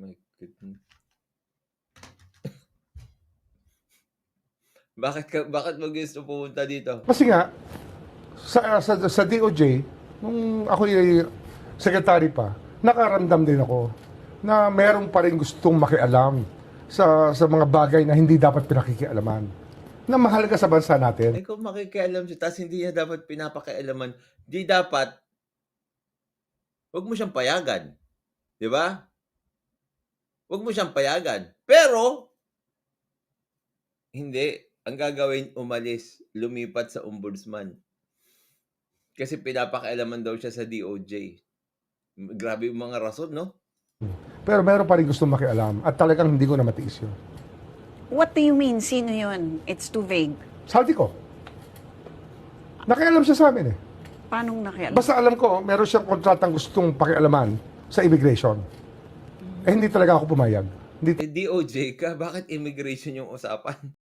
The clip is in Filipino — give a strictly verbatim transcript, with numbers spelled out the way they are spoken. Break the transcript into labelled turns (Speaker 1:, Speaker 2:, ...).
Speaker 1: My goodness. Bakit ka bakit mo gusto pumunta dito?
Speaker 2: Kasi nga, sa, sa, sa D O J, nung ako'y secretary pa, nakaramdam din ako na meron pa rin gustong makialam sa, sa mga bagay na hindi dapat pinakikialaman. Na mahalaga sa bansa natin.
Speaker 1: Eh kung makikialam siya, tapos hindi niya dapat pinapakialaman, di dapat, wag mo siyang payagan. Di ba? Wag mo siyang payagan. Pero, hindi. Ang gagawin, umalis, lumipat sa ombudsman. Kasi pinapakialaman daw siya sa D O J. Grabe yung mga rason, no?
Speaker 2: Pero meron pa rin gustong makialam at talagang hindi ko na matiis yun.
Speaker 3: What do you mean? Sino yun? It's too vague.
Speaker 2: Sabi ko, nakialam siya sa amin eh.
Speaker 3: Paano nakialam?
Speaker 2: Basta alam ko, meron siyang kontratang gustong pakialaman sa immigration. Eh hindi talaga ako pumayag. Hindi
Speaker 1: Eh, D O J ka, bakit immigration yung usapan?